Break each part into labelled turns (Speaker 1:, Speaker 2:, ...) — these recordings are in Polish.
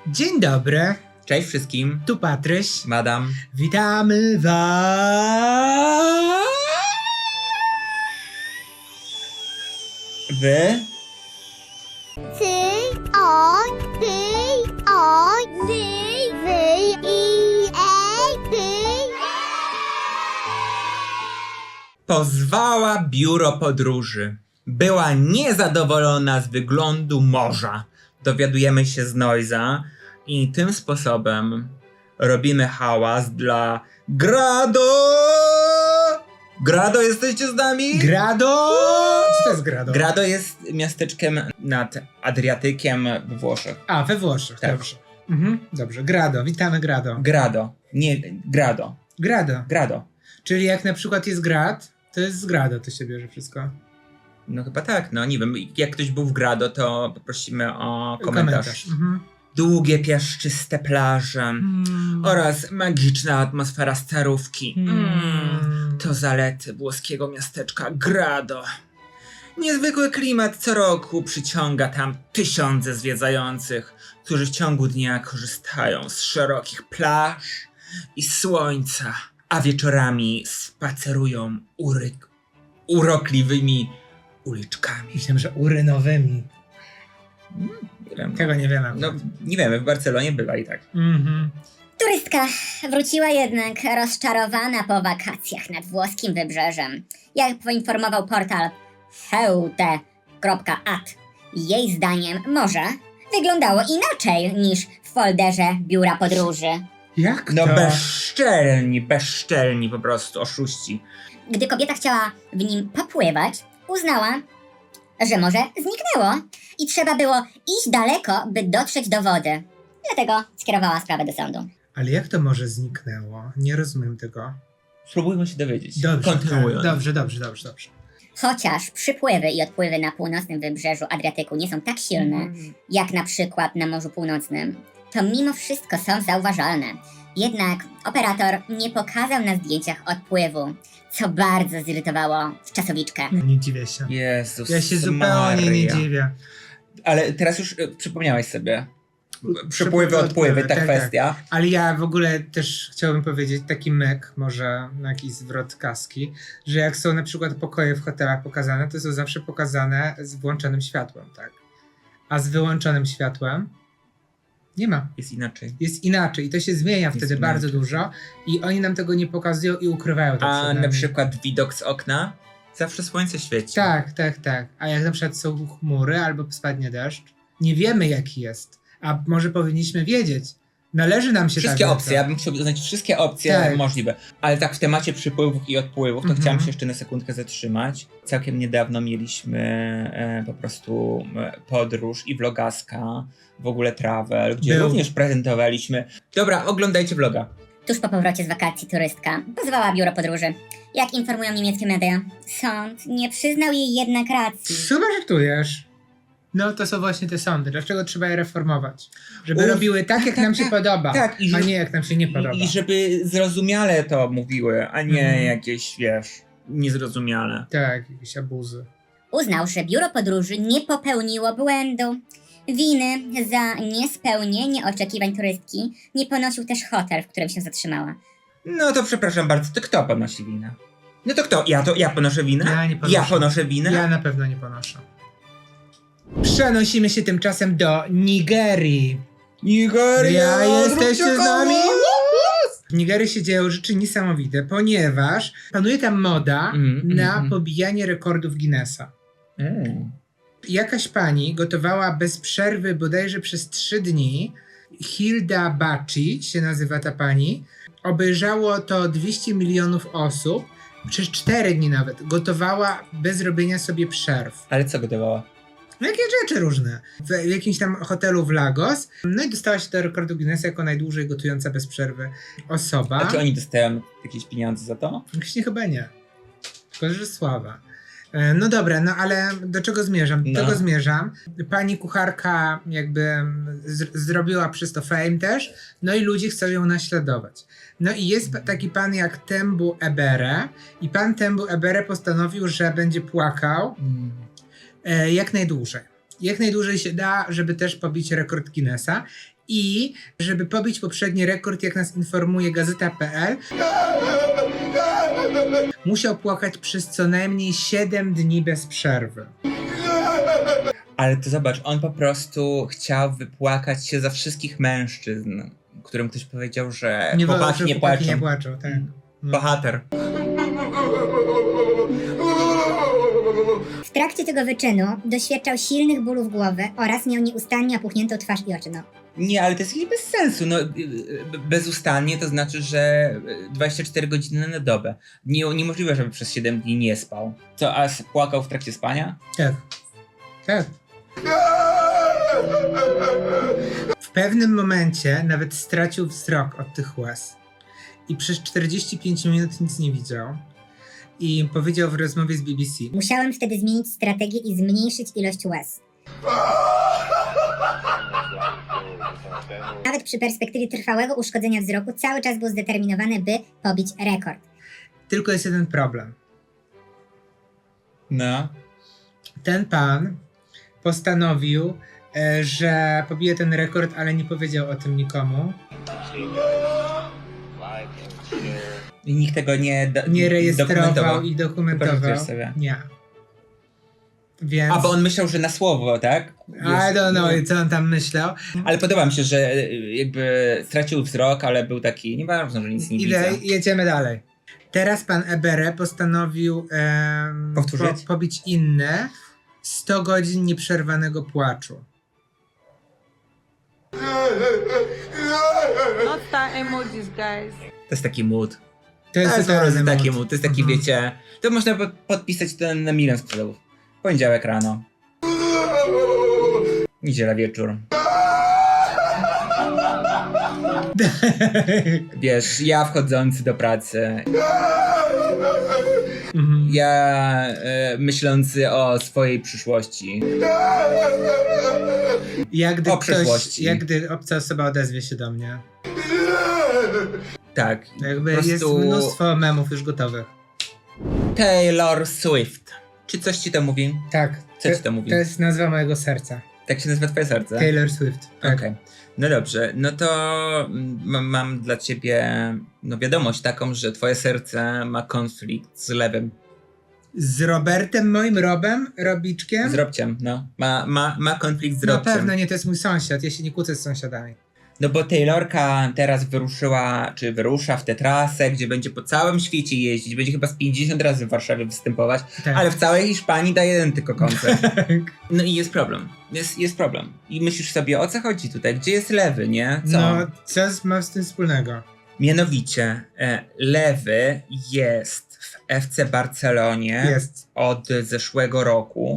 Speaker 1: Dzień dobry,
Speaker 2: Cześć wszystkim,
Speaker 1: tu Patryś.
Speaker 2: madam.
Speaker 1: Witamy was.
Speaker 2: Wy?
Speaker 3: Ty, o, wy, i, ty.
Speaker 2: Pozwała biuro podróży. Była niezadowolona z wyglądu morza. Dowiadujemy się z Noiza i tym sposobem robimy hałas dla Grado! Grado, jesteście z nami?
Speaker 1: Grado! Co to jest Grado?
Speaker 2: Grado jest miasteczkiem nad Adriatykiem we Włoszech.
Speaker 1: A, we Włoszech,
Speaker 2: Tak.
Speaker 1: dobrze. Dobrze, Grado, witamy Grado.
Speaker 2: Grado, nie Grado.
Speaker 1: Grado,
Speaker 2: Grado.
Speaker 1: czyli jak na przykład jest grad, to jest z Grado, to się bierze wszystko.
Speaker 2: No chyba tak, no nie wiem, jak ktoś był w Grado, to poprosimy o komentarz. Długie, piaszczyste plaże oraz magiczna atmosfera starówki. To zalety włoskiego miasteczka Grado. Niezwykły klimat co roku przyciąga tam tysiące zwiedzających, którzy w ciągu dnia korzystają z szerokich plaż i słońca, a wieczorami spacerują urokliwymi uliczkami.
Speaker 1: Myślałem, że urynowymi.
Speaker 2: Nie wiem,
Speaker 1: Tego nie wiemy.
Speaker 2: no nie wiemy, w Barcelonie bywa i tak.
Speaker 3: Turystka wróciła jednak rozczarowana po wakacjach nad włoskim wybrzeżem. Jak poinformował portal feute.at, jej zdaniem morze wyglądało inaczej niż w folderze biura podróży.
Speaker 1: Jak
Speaker 2: No
Speaker 1: to?
Speaker 2: bezczelni po prostu, oszuści.
Speaker 3: Gdy kobieta chciała w nim popływać, uznała, że morze zniknęło i trzeba było iść daleko, by dotrzeć do wody. Dlatego skierowała sprawę do sądu.
Speaker 1: Ale jak to może zniknęło? Nie rozumiem tego.
Speaker 2: Spróbujmy się dowiedzieć.
Speaker 1: Dobrze,
Speaker 2: Kontynuując.
Speaker 1: dobrze.
Speaker 3: Chociaż przypływy i odpływy na północnym wybrzeżu Adriatyku nie są tak silne, jak na przykład na Morzu Północnym, to mimo wszystko są zauważalne. Jednak operator nie pokazał na zdjęciach odpływu, co bardzo zirytowało czasowiczkę.
Speaker 1: Nie dziwię się.
Speaker 2: Jezus
Speaker 1: Ja się zupełnie nie
Speaker 2: Maria.
Speaker 1: dziwię.
Speaker 2: Ale teraz już przypomniałeś sobie. Przypływy, odpływy, ta
Speaker 1: tak,
Speaker 2: kwestia.
Speaker 1: Ale ja w ogóle też chciałbym powiedzieć taki myk, może jakiś zwrot kaski, że jak są na przykład pokoje w hotelach pokazane, to są zawsze pokazane z włączonym światłem, tak? A z wyłączonym światłem nie ma.
Speaker 2: Jest inaczej.
Speaker 1: Jest inaczej i to się zmienia wtedy
Speaker 2: inaczej.
Speaker 1: bardzo dużo i oni nam tego nie pokazują i ukrywają to
Speaker 2: A
Speaker 1: przed
Speaker 2: na
Speaker 1: nami.
Speaker 2: przykład widok z okna, zawsze słońce świeci.
Speaker 1: Tak. A jak na przykład są chmury albo spadnie deszcz, nie wiemy jaki jest, a może powinniśmy wiedzieć. Należy nam się
Speaker 2: Wszystkie
Speaker 1: ta
Speaker 2: opcje, ja bym chciał oznać wszystkie opcje
Speaker 1: Tak.
Speaker 2: możliwe. Ale tak w temacie przypływów i odpływów, to chciałem się jeszcze na sekundkę zatrzymać. Całkiem niedawno mieliśmy po prostu podróż i vlogaska, w ogóle travel, gdzie
Speaker 1: Był.
Speaker 2: również prezentowaliśmy. Dobra, oglądajcie vloga.
Speaker 3: Tuż po powrocie z wakacji turystka pozwała biuro podróży. Jak informują niemieckie media, sąd nie przyznał jej jednak racji.
Speaker 1: Chyba żartujesz. No to są właśnie te sądy. Dlaczego trzeba je reformować? Żeby
Speaker 2: Uf,
Speaker 1: robiły tak, jak nam się podoba,
Speaker 2: tak,
Speaker 1: a nie jak nam się nie podoba.
Speaker 2: I żeby zrozumiale to mówiły, a nie jakieś, wiesz, niezrozumiale.
Speaker 1: Tak, jakieś abuzy.
Speaker 3: Uznał, że biuro podróży nie popełniło błędu. Winy za niespełnienie oczekiwań turystki nie ponosił też hotel, w którym się zatrzymała.
Speaker 2: No to przepraszam bardzo, to kto ponosi winę? No to kto? Ja ponoszę winę?
Speaker 1: Ja nie ponoszę.
Speaker 2: Ja ponoszę winę?
Speaker 1: Ja na pewno nie ponoszę. Przenosimy się tymczasem do Nigerii.
Speaker 2: Nigeria,
Speaker 1: Jesteście z nami? W Nigerii się dzieją rzeczy niesamowite, ponieważ panuje tam moda na pobijanie rekordów Guinnessa. Jakaś pani gotowała bez przerwy bodajże przez 3 dni. Hilda Baci się nazywa ta pani. Obejrzało to 200 milionów osób. Przez 4 dni nawet. Gotowała bez robienia sobie przerw.
Speaker 2: Ale co gotowała?
Speaker 1: Jakie rzeczy różne. W jakimś tam hotelu w Lagos. No i dostała się do rekordu Guinnessa jako najdłużej gotująca bez przerwy osoba.
Speaker 2: A czy oni dostają jakieś pieniądze za to?
Speaker 1: Właśnie chyba nie. Tylko, że sława. No dobra, no ale do czego zmierzam? Do
Speaker 2: No.
Speaker 1: tego zmierzam. Pani kucharka jakby zrobiła przez to fame też, no i ludzie chcą ją naśladować. No i jest taki pan jak Tembu Ebere i pan Tembu Ebere postanowił, że będzie płakał jak najdłużej. Jak najdłużej się da, żeby też pobić rekord Guinnessa. I żeby pobić poprzedni rekord, jak nas informuje Gazeta.pl, musiał płakać przez co najmniej 7 dni bez przerwy.
Speaker 2: Ale to zobacz, on po prostu chciał wypłakać się za wszystkich mężczyzn, którym ktoś powiedział, że chłopaki nie płaczą.
Speaker 1: Nie płaczą, tak. No.
Speaker 2: Bohater.
Speaker 3: W trakcie tego wyczynu doświadczał silnych bólów głowy oraz miał nieustannie opuchniętą twarz i oczy.
Speaker 2: Nie, ale to jest jakieś bez sensu. No, bezustannie to znaczy, że 24 godziny na dobę. Niemożliwe, żeby przez 7 dni nie spał. Co, a płakał w trakcie spania?
Speaker 1: Tak. Tak. W pewnym momencie nawet stracił wzrok od tych łez. I przez 45 minut nic nie widział. I powiedział w rozmowie z BBC:
Speaker 3: Musiałem wtedy zmienić strategię i zmniejszyć ilość łez. Nawet przy perspektywie trwałego uszkodzenia wzroku cały czas był zdeterminowany, by pobić rekord.
Speaker 1: Tylko jest jeden problem.
Speaker 2: No.
Speaker 1: Ten pan postanowił, że pobije ten rekord, ale nie powiedział o tym nikomu.
Speaker 2: I nikt tego
Speaker 1: Nie rejestrował
Speaker 2: dokumentował.
Speaker 1: i dokumentował.
Speaker 2: Sobie.
Speaker 1: Nie. Więc...
Speaker 2: A, bo on myślał, że na słowo, tak?
Speaker 1: I don't know, co on tam myślał.
Speaker 2: Ale podoba mi się, że jakby stracił wzrok, ale był taki, nieważne, że nic nie widzę.
Speaker 1: Jedziemy dalej. Teraz pan Ebere postanowił
Speaker 2: Powtórzyć?
Speaker 1: pobić inne 100 godzin nieprzerwanego płaczu.
Speaker 4: Not star emojis, guys.
Speaker 2: To jest taki mood.
Speaker 1: To jest totalny
Speaker 2: taki
Speaker 1: mood.
Speaker 2: mood. To jest taki, wiecie, to można podpisać to na milion sprzedawów. Poniedziałek rano. Niedziela wieczór. Wiesz, ja wchodzący do pracy. Ja myślący o swojej przyszłości.
Speaker 1: Jak gdy obca osoba odezwie się do mnie.
Speaker 2: Tak.
Speaker 1: Jakby
Speaker 2: po prostu
Speaker 1: jest mnóstwo memów już gotowych.
Speaker 2: Taylor Swift. Czy coś ci to mówi?
Speaker 1: Tak.
Speaker 2: Co ci to mówi?
Speaker 1: To jest nazwa mojego serca.
Speaker 2: Tak się nazywa twoje serce?
Speaker 1: Taylor Swift. Tak.
Speaker 2: Okej. No dobrze, no to mam dla ciebie wiadomość taką, że twoje serce ma konflikt z lewym.
Speaker 1: Z Robertem, moim Robiczkiem?
Speaker 2: Z Robciem, no. Ma konflikt z
Speaker 1: Na
Speaker 2: Robciem.
Speaker 1: pewno nie, to jest mój sąsiad, ja się nie kłócę z sąsiadami.
Speaker 2: No bo Taylorka teraz wyrusza w tę trasę, gdzie będzie po całym świecie jeździć. Będzie chyba z 50 razy w Warszawie występować,
Speaker 1: Tak.
Speaker 2: ale w całej Hiszpanii da jeden tylko koncert. No i jest problem. Jest problem. I myślisz sobie, o co chodzi tutaj? Gdzie jest lewy, nie? Co?
Speaker 1: No, co ma z tym wspólnego?
Speaker 2: Mianowicie, lewy jest w FC Barcelonie od zeszłego roku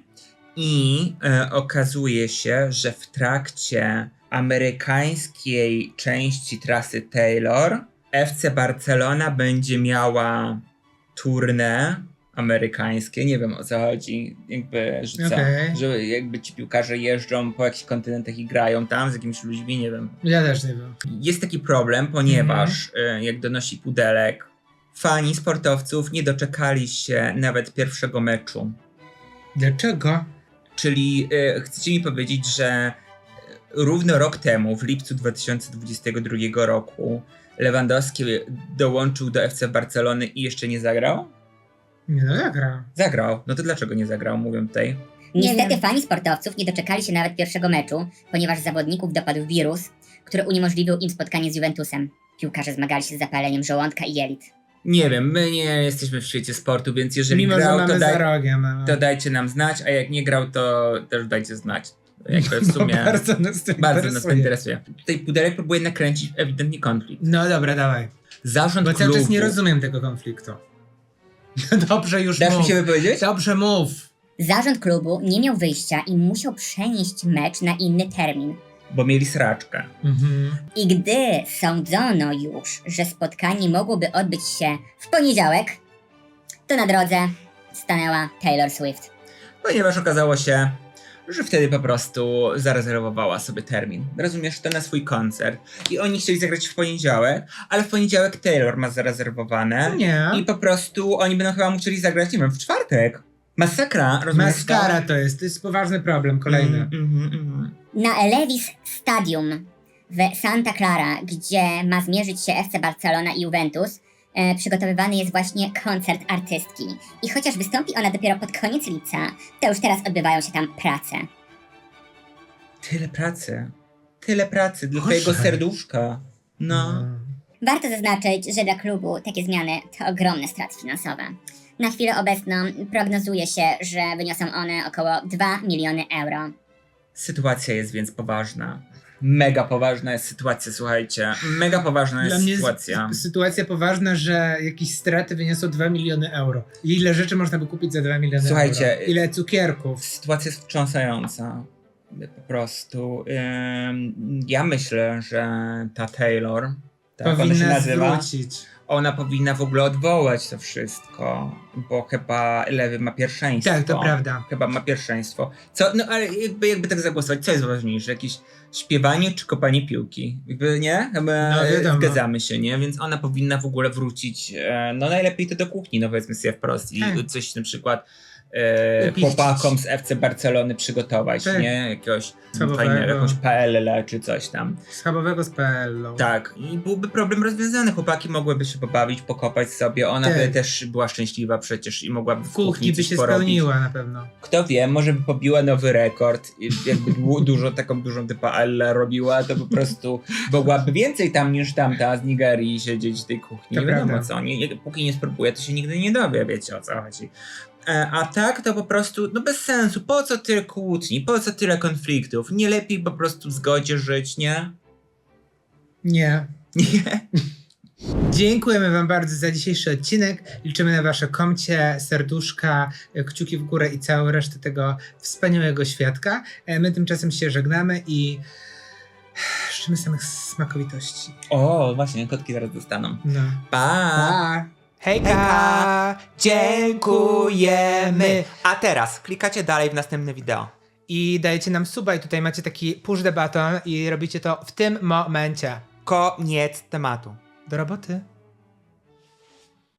Speaker 2: i okazuje się, że w trakcie amerykańskiej części trasy Taylor FC Barcelona będzie miała tournée amerykańskie, nie wiem o co chodzi, jakby, że co, że jakby ci piłkarze jeżdżą po jakichś kontynentach i grają tam z jakimiś ludźmi, nie wiem.
Speaker 1: Ja też nie wiem.
Speaker 2: Jest taki problem, ponieważ jak donosi Pudelek, fani sportowców nie doczekali się nawet pierwszego meczu.
Speaker 1: Dlaczego?
Speaker 2: Czyli chcecie mi powiedzieć, że równo rok temu, w lipcu 2022 roku, Lewandowski dołączył do FC Barcelony i jeszcze nie zagrał?
Speaker 1: Nie, no zagrał.
Speaker 2: Zagrał. No to dlaczego nie zagrał, mówią tutaj?
Speaker 3: Niestety fani sportowców nie doczekali się nawet pierwszego meczu, ponieważ zawodników dopadł wirus, który uniemożliwił im spotkanie z Juventusem. Piłkarze zmagali się z zapaleniem żołądka i jelit.
Speaker 2: Nie wiem, my nie jesteśmy w świecie sportu, więc jeżeli
Speaker 1: Mimo,
Speaker 2: grał,
Speaker 1: że mamy za rogiem.
Speaker 2: to dajcie nam znać, a jak nie grał, to też dajcie znać. Jakby w sumie
Speaker 1: bardzo nas to
Speaker 2: interesuje. Tutaj Pudelek próbuje nakręcić ewidentnie konflikt.
Speaker 1: No dobra, dawaj.
Speaker 2: Zarząd
Speaker 1: Bo
Speaker 2: klubu...
Speaker 1: cały czas nie rozumiem tego konfliktu. Dobrze, już
Speaker 2: Dasz
Speaker 1: mów.
Speaker 2: mi się wypowiedzieć?
Speaker 1: Dobrze, mów.
Speaker 3: Zarząd klubu nie miał wyjścia i musiał przenieść mecz na inny termin.
Speaker 2: Bo mieli sraczkę.
Speaker 3: I gdy sądzono już, że spotkanie mogłoby odbyć się w poniedziałek, to na drodze stanęła Taylor Swift.
Speaker 2: Ponieważ okazało się, że wtedy po prostu zarezerwowała sobie termin. Rozumiesz, to na swój koncert. I oni chcieli zagrać w poniedziałek, ale w poniedziałek Taylor ma zarezerwowane.
Speaker 1: Nie.
Speaker 2: I po prostu oni będą chyba musieli zagrać, nie wiem, w czwartek. Masakra, rozumiesz?
Speaker 1: Maskara to jest poważny problem, kolejny.
Speaker 3: Na Elevis Stadium W Santa Clara, gdzie ma zmierzyć się FC Barcelona i Juventus, przygotowywany jest właśnie koncert artystki. I chociaż wystąpi ona dopiero pod koniec lipca, to już teraz odbywają się tam prace.
Speaker 2: Tyle pracy dla twojego serduszka. No.
Speaker 3: Warto zaznaczyć, że dla klubu takie zmiany to ogromne straty finansowe. Na chwilę obecną prognozuje się, że wyniosą one około 2 miliony euro.
Speaker 2: Sytuacja jest więc poważna. Mega poważna jest sytuacja, słuchajcie. Mega poważna jest
Speaker 1: Dla mnie
Speaker 2: sytuacja.
Speaker 1: Sytuacja poważna, że jakieś straty wyniosą 2 miliony euro. Ile rzeczy można by kupić za 2 miliony
Speaker 2: Słuchajcie,
Speaker 1: euro? Ile cukierków?
Speaker 2: Sytuacja jest wstrząsająca. Po prostu. Ja myślę, że ta Taylor, tak ona się
Speaker 1: Powinna
Speaker 2: nazywa,
Speaker 1: zwrócić.
Speaker 2: ona powinna w ogóle odwołać to wszystko, bo chyba lewy ma pierwszeństwo.
Speaker 1: Tak, to prawda.
Speaker 2: Chyba ma pierwszeństwo. Co, no ale jakby tak zagłosować, co jest ważniejsze? Jakieś śpiewanie czy kopanie piłki? Jakby nie? Chyba
Speaker 1: No, wiadomo.
Speaker 2: zgadzamy się, nie? Więc ona powinna w ogóle wrócić, no najlepiej to do kuchni, no powiedzmy sobie wprost. I
Speaker 1: Tak.
Speaker 2: coś na przykład
Speaker 1: Upiścić.
Speaker 2: chłopakom z FC Barcelony przygotować,
Speaker 1: Tak.
Speaker 2: nie? Jakiegoś
Speaker 1: Schabowego.
Speaker 2: fajnego, jakąś PLL czy coś tam.
Speaker 1: Schabowego z PL-ą.
Speaker 2: Tak, i byłby problem rozwiązany. Chłopaki mogłyby się pobawić, pokopać sobie. Ona
Speaker 1: Tak.
Speaker 2: by też była szczęśliwa przecież i mogłaby w
Speaker 1: W kuchni by
Speaker 2: coś
Speaker 1: się
Speaker 2: porobić.
Speaker 1: spełniła na pewno.
Speaker 2: Kto wie, może by pobiła nowy rekord i jakby taką dużą typa Ella robiła, to po prostu mogłaby więcej tam niż tamta z Nigerii siedzieć w tej kuchni.
Speaker 1: To
Speaker 2: Nie wiadomo
Speaker 1: prawda.
Speaker 2: co, póki nie spróbuje, to się nigdy nie dowie, wiecie o co chodzi. A tak to po prostu, no bez sensu, po co tyle kłótni, po co tyle konfliktów, nie lepiej po prostu w zgodzie żyć, nie?
Speaker 1: Nie.
Speaker 2: Nie.
Speaker 1: Dziękujemy wam bardzo za dzisiejszy odcinek. Liczymy na wasze komcie, serduszka, kciuki w górę i całą resztę tego wspaniałego świadka. My tymczasem się żegnamy i życzymy samych smakowitości.
Speaker 2: O, właśnie, kotki zaraz dostaną.
Speaker 1: No.
Speaker 2: Pa!
Speaker 1: Pa!
Speaker 2: Hejka! Dziękujemy! A teraz klikacie dalej w następne wideo.
Speaker 1: I dajecie nam suba i tutaj macie taki push the button i robicie to w tym momencie.
Speaker 2: Koniec tematu.
Speaker 1: Do roboty.